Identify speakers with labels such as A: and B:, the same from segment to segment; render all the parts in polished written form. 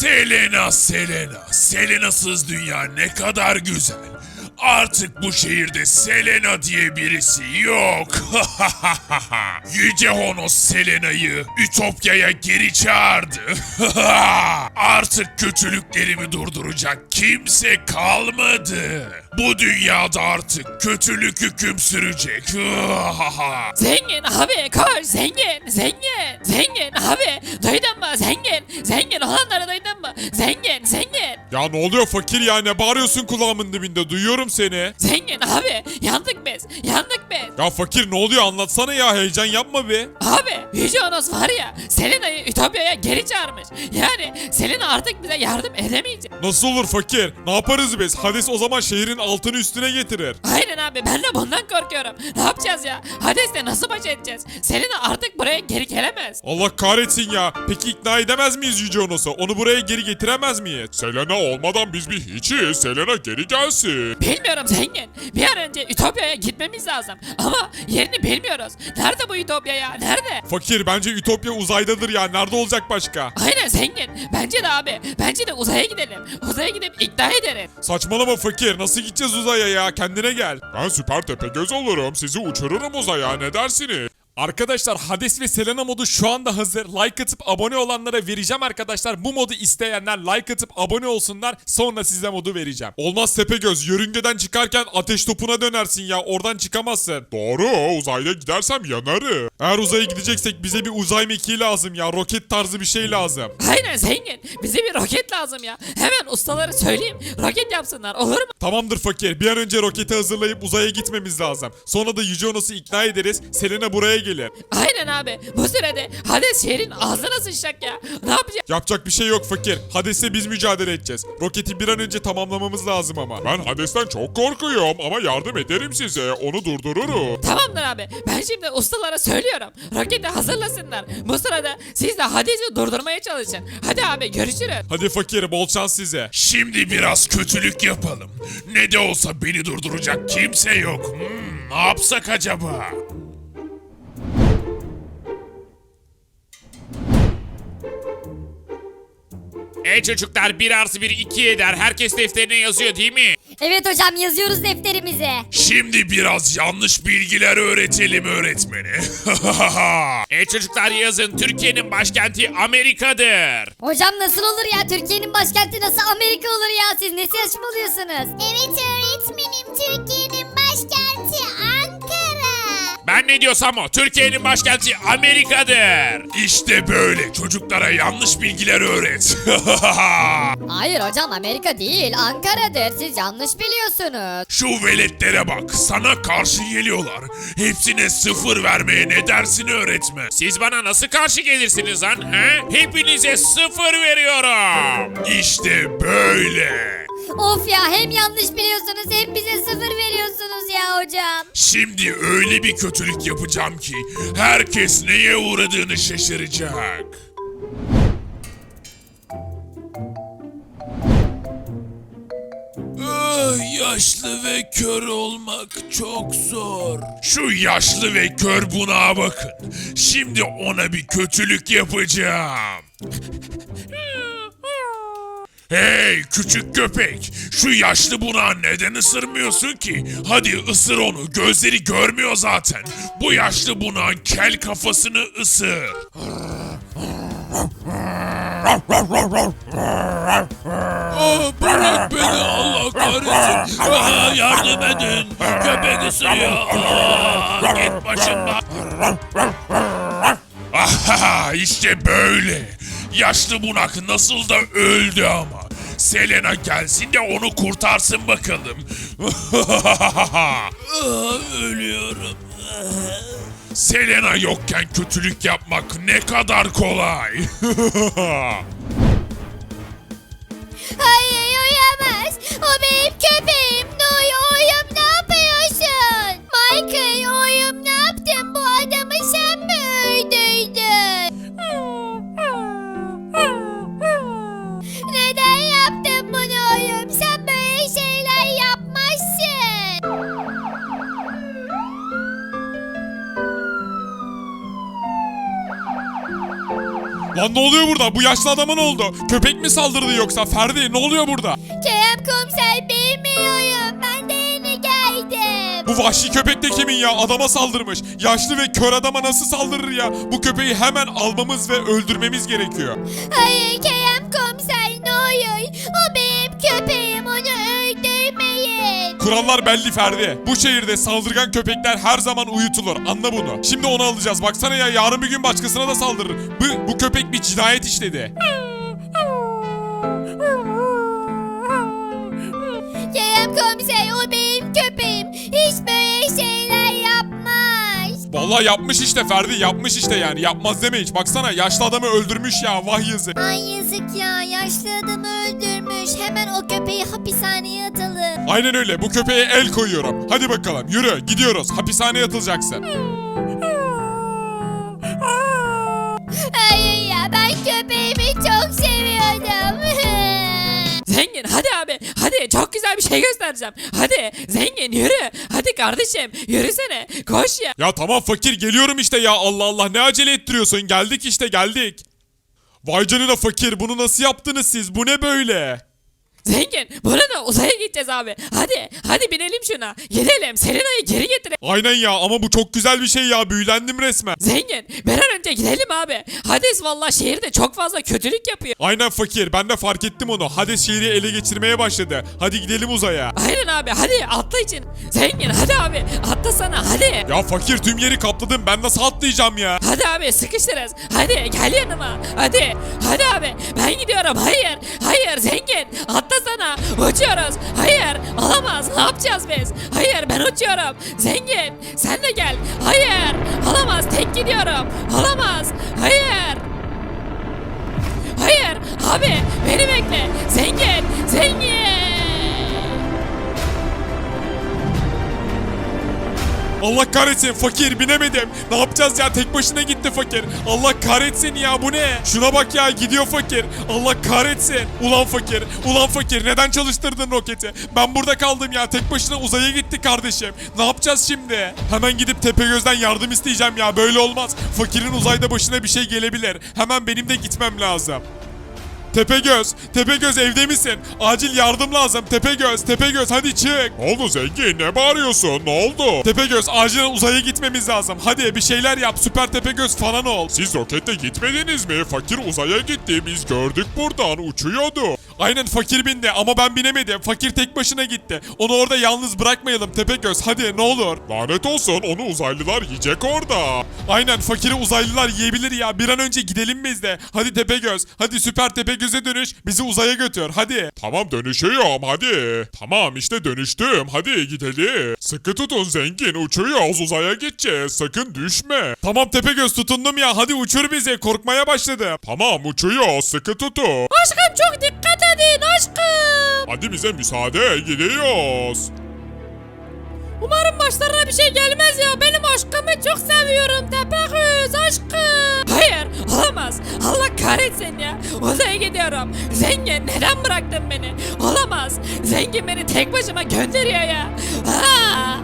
A: Selena, Selena. Selena'sız dünya ne kadar güzel. Artık bu şehirde Selena diye birisi yok. Yüce Honos Selena'yı Ütopya'ya geri çağırdı. Artık kötülüklerimi durduracak kimse kalmadı. Bu dünyada artık kötülük hüküm sürecek.
B: Zengin abi koş zengin zengin zengin abi duydun mu zengin zengin olanları duydun mu zengin.
C: Ya ne oluyor fakir ya, ne bağırıyorsun kulağımın dibinde, duyuyorum seni.
B: Zengin abi yandık biz.
C: Ya fakir ne oluyor, anlatsana ya, heyecan yapma bir.
B: Abi Yüce Onos var ya Selena'yı Ütopya'ya geri çağırmış. Yani Selena artık bize yardım edemeyecek.
C: Nasıl olur fakir? Ne yaparız biz? Hades o zaman şehrin altını üstüne getirir.
B: Aynen abi ben de bundan korkuyorum. Ne yapacağız ya? Hades'le nasıl baş edeceğiz? Selena artık buraya geri gelemez.
C: Allah kahretsin ya. Peki ikna edemez miyiz Yüce Onos'u? Onu buraya geri getiremez miyiz? Selena olmadan biz bir hiçiz. Selena geri gelsin.
B: Bilmiyorum zengin. Bir an önce Ütopya'ya gitmemiz lazım. Ama yerini bilmiyoruz. Nerede bu Ütopya ya? Nerede?
C: Fakir bence Ütopya uzaydadır ya. Nerede olacak başka?
B: Aynen zengin. Bence de abi. Bence de uzaya gidelim. Uzaya gidip ikna edelim.
C: Saçmalama fakir. Nasıl gideceğiz uzaya ya? Kendine gel. Ben süper tepegöz olurum. Sizi uçururum uzaya. Ne dersiniz? Arkadaşlar Hades ve Selena modu şu anda hazır. Like atıp abone olanlara vereceğim arkadaşlar. Bu modu isteyenler like atıp abone olsunlar. Sonra size modu vereceğim. Olmaz Tepegöz. Yörüngeden çıkarken ateş topuna dönersin ya. Oradan çıkamazsın. Doğru. Uzayda gidersem yanarım. Eğer uzaya gideceksek bize bir uzay mekiği lazım ya. Roket tarzı bir şey lazım.
B: Aynen zengin. Bize bir roket lazım ya. Hemen ustaları söyleyeyim. Roket yapsınlar olur mu?
C: Tamamdır fakir. Bir an önce roketi hazırlayıp uzaya gitmemiz lazım. Sonra da Yüce Onos'u ikna ederiz. Selena buraya gelir.
B: Aynen abi. Bu sürede Hades şehrin ağzına sıçacak ya. Ne yapacağız?
C: Yapacak bir şey yok fakir. Hades'le biz mücadele edeceğiz. Roketi bir an önce tamamlamamız lazım ama. Ben Hades'ten çok korkuyorum ama yardım ederim size. Onu durdururum.
B: Tamamdır abi. Ben şimdi ustalara söylüyorum. Roketi hazırlasınlar. Bu sırada siz de Hades'i durdurmaya çalışın. Hadi abi görüşürüz.
C: Hadi fakir, bol şans size.
A: Şimdi biraz kötülük yapalım. Ne de olsa beni durduracak kimse yok. Ne yapsak acaba?
D: Çocuklar 1 artı 1 2 eder. Herkes defterine yazıyor değil mi?
E: Evet hocam yazıyoruz defterimize.
A: Şimdi biraz yanlış bilgiler öğretelim öğretmeni.
D: Çocuklar yazın. Türkiye'nin başkenti Amerika'dır.
E: Hocam nasıl olur ya, Türkiye'nin başkenti nasıl Amerika olur ya, siz ne saçmalıyorsunuz? Evet öğretmenim, Türkiye'nin başkenti Ankara.
D: Ben ne diyorsam o. Türkiye'nin başkenti Amerika'dır.
A: İşte böyle çocuklara yanlış bilgiler öğret.
E: Hayır hocam, Amerika değil Ankara'dır, siz yanlış biliyorsunuz.
A: Şu veletlere bak, sana karşı geliyorlar. Hepsine 0 vermeye ne dersin öğretmen?
D: Siz bana nasıl karşı gelirsiniz lan? He? Hepinize 0 veriyorum.
A: İşte böyle.
E: Of ya, hem yanlış biliyorsunuz hem bize 0 veriyorsunuz ya hocam.
A: Şimdi öyle bir kötülük yapacağım ki herkes neye uğradığını şaşıracak. Yaşlı ve kör olmak çok zor. Şu yaşlı ve kör bunağa bakın. Şimdi ona bir kötülük yapacağım. Hey küçük köpek, şu yaşlı bunağı neden ısırmıyorsun ki? Hadi ısır onu, gözleri görmüyor zaten. Bu yaşlı bunağın kel kafasını ısır. Bırak beni Allah kahretsin. Yardım edin, köpek ısırıyor. Git başımdan. İşte böyle. Yaşlı bunak nasıl da öldü ama. Selena gelsin de onu kurtarsın bakalım. Ölüyorum. Selena yokken kötülük yapmak ne kadar kolay.
E: Hayır uyuyamaz, o benim köpeğim. Noy oyum, ne yapıyorsun? Michael oyum, ne yaptın? Bu adamı sen mi öldürdün? Neden yaptın bunu oyum? Sen böyle şeyler yapmazsın.
C: Lan ne oluyor burada? Bu yaşlı adama ne oldu? Köpek mi saldırdı yoksa? Ferdi ne oluyor burada?
E: Kerem komiser bilmiyorum. Ben de yeni geldim.
C: Bu vahşi köpek de kimin ya? Adama saldırmış. Yaşlı ve kör adama nasıl saldırır ya? Bu köpeği hemen almamız ve öldürmemiz gerekiyor.
E: Hayır Kerem komiser ne olur. O benim köpeğim, onu öldürmeyin.
C: Kurallar belli Ferdi. Bu şehirde saldırgan köpekler her zaman uyutulur. Anla bunu. Şimdi onu alacağız. Baksana ya, yarın bir gün başkasına da saldırır. Bu köpek bir cinayet işledi.
E: Kerem komiser o benim köpeğim. Hiç böyle şeyler yapmaz.
C: Vallahi yapmış işte Ferdi, yapmış işte yani. Yapmaz deme hiç. Baksana yaşlı adamı öldürmüş ya, vah yazık.
E: Ay yazık ya, yaşlı adamı öldürmüş. Hemen o köpeği hapishaneye atalım.
C: Aynen öyle, bu köpeğe el koyuyorum. Hadi bakalım yürü, gidiyoruz. Hapishaneye atılacaksın.
E: Hayır ya, ben köpeğimi çok seviyordum.
B: Zengin hadi abi hadi çok güzel bir şey göstereceğim. Hadi zengin yürü. Hadi kardeşim yürüsene koş ya.
C: Ya tamam fakir, geliyorum işte ya, Allah Allah, ne acele ettiriyorsun, geldik işte geldik. Vay canına fakir, bunu nasıl yaptınız siz, bu ne böyle?
B: Zengin bununla uzaya gideceğiz abi. Hadi binelim şuna. Gidelim Selena'yı geri getirelim.
C: Aynen ya, ama bu çok güzel bir şey ya, büyülendim resmen.
B: Zengin bir an önce gidelim abi. Hades valla şehirde çok fazla kötülük yapıyor.
C: Aynen fakir, ben de fark ettim onu. Hades şehri ele geçirmeye başladı. Hadi gidelim uzaya.
B: Aynen abi hadi atla için. Zengin hadi abi atlasana hadi.
C: Ya fakir, tüm yeri kapladım, ben nasıl atlayacağım ya?
B: Hadi abi sıkıştırız. Hadi gel yanıma. Hadi abi ben gidiyorum. Hayır zengin atlasana. Uçuyoruz. Hayır olamaz. Ne yapacağız biz? Hayır ben uçuyorum. Zengin sen de gel. Hayır olamaz tek gidiyorum. Olamaz. Hayır abi beni bekle. Zengin.
C: Allah kahretsin fakir, binemedim. Ne yapacağız ya, tek başına gitti fakir. Allah kahretsin ya, bu ne? Şuna bak ya, gidiyor fakir. Allah kahretsin. Ulan fakir neden çalıştırdın roketi? Ben burada kaldım ya, tek başına uzaya gitti kardeşim. Ne yapacağız şimdi? Hemen gidip Tepegöz'den yardım isteyeceğim ya, böyle olmaz. Fakirin uzayda başına bir şey gelebilir. Hemen benim de gitmem lazım. Tepegöz evde misin? Acil yardım lazım. Tepegöz hadi çık.
A: Ne oldu zengin, ne bağırıyorsun, ne oldu?
C: Tepegöz acilen uzaya gitmemiz lazım. Hadi bir şeyler yap, süper Tepegöz falan ol.
A: Siz rokette gitmediniz mi? Fakir uzaya gitti, biz gördük buradan, uçuyordu.
C: Aynen fakir bindi ama ben binemedim. Fakir tek başına gitti. Onu orada yalnız bırakmayalım Tepegöz, hadi ne olur.
A: Lanet olsun, onu uzaylılar yiyecek orada.
C: Aynen, fakiri uzaylılar yiyebilir ya. Bir an önce gidelim biz de. Hadi Tepegöz, hadi süper Tepegöz'e dönüş. Bizi uzaya götür hadi.
A: Tamam dönüşüyorum hadi. Tamam işte dönüştüm, hadi gidelim. Sıkı tutun zengin, uçuyoruz, uzaya gideceğiz, sakın düşme.
C: Tamam Tepegöz, tutundum ya, hadi uçur bizi, korkmaya başladım.
A: Tamam uçuyoruz, sıkı tutun.
B: Aşkım çok dikkat edin aşkım.
A: Hadi bize müsaade, gidiyoruz.
B: Umarım başlarına bir şey gelmez ya. Benim aşkımı çok seviyorum Tepegöz aşkım. Hayır olamaz. Allah kahretsin ya. Uzaya gidiyorum. Zengin neden bıraktın beni? Olamaz. Zengin beni tek başıma gönderiyor ya. Aa!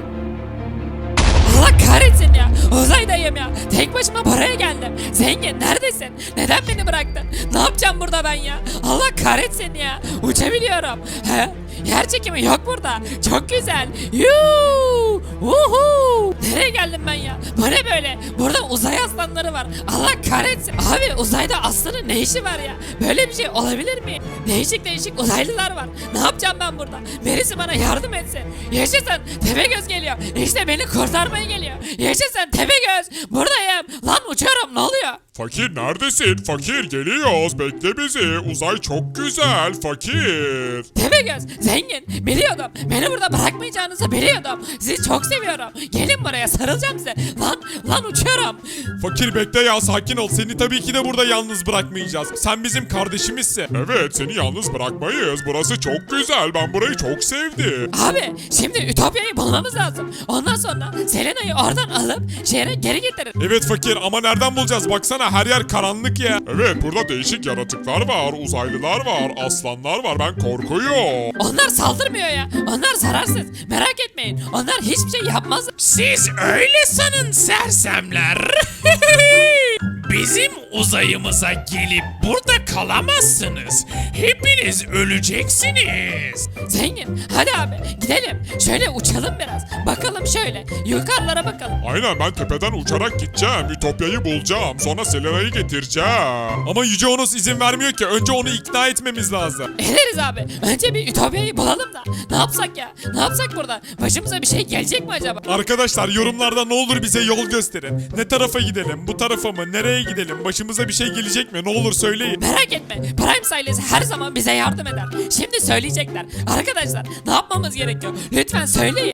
B: Allah kahretsin ya. Uzaydayım ya. Tek başıma buraya geldim. Zengin neredesin? Neden beni bıraktın? Ne yapacağım burada ben ya? Allah kahretsin ya. Uçabiliyorum. He? Yer çekimi yok burada. Çok güzel. Yuu! Uhu! Nereye geldim ben ya? Bu ne böyle? Burada uzay aslanları var. Allah kahretsin. Abi uzayda aslanın ne işi var ya? Böyle bir şey olabilir mi? Değişik uzaylılar var. Ne yapacağım ben burada? Birisi bana yardım etsin. Yaşasın. Tepegöz geliyor. İşte beni kurtarmaya geliyor. Yaşasın Tepegöz. Buradayım. Lan uçuyorum. Ne oluyor?
A: Fakir neredesin? Fakir geliyoruz, bekle bizi. Uzay çok güzel, fakir.
B: Tepegöz, zengin, biliyordum. Beni burada bırakmayacağınızı biliyordum. Sizi çok seviyorum. Gelin buraya, sarılacağım size. Lan uçuyorum.
C: Fakir bekle ya, sakin ol. Seni tabii ki de burada yalnız bırakmayacağız. Sen bizim kardeşimizsin.
A: Evet, seni yalnız bırakmayız. Burası çok güzel, ben burayı çok sevdim.
B: Abi, şimdi Ütopya'yı bulmamız lazım. Ondan sonra Selena'yı oradan alıp şehre geri getirin.
C: Evet fakir, ama nereden bulacağız? Baksana her yer karanlık ya.
A: Evet, burada değişik yaratıklar var, uzaylılar var, aslanlar var, ben korkuyorum.
B: Onlar saldırmıyor ya. Onlar zararsız. Merak etmeyin. Onlar hiçbir şey yapmaz.
D: Siz öyle sanın sersemler.
A: Bizim uzayımıza gelip burada kalamazsınız. Hepiniz öleceksiniz.
B: Zengin hadi abi gidelim. Şöyle uçalım biraz. Bakalım şöyle. Yukarılara bakalım.
C: Aynen ben tepeden uçarak gideceğim. Ütopya'yı bulacağım. Sonra Selena'yı getireceğim. Ama Yüce Onos izin vermiyor ki. Önce onu ikna etmemiz lazım.
B: Ederiz abi. Önce bir Ütopya'yı bulalım da. Ne yapsak ya? Ne yapsak burada? Başımıza bir şey gelecek mi acaba?
C: Arkadaşlar yorumlarda ne olur bize yol gösterin. Ne tarafa gidelim? Bu tarafa mı? Nereye gidelim? Başımıza bir şey gelecek mi? Ne olur söyleyin.
B: Merak etme. Prime ailesi her zaman bize yardım eder. Şimdi söyleyecekler. Arkadaşlar ne yapmamız gerekiyor? Lütfen söyleyin.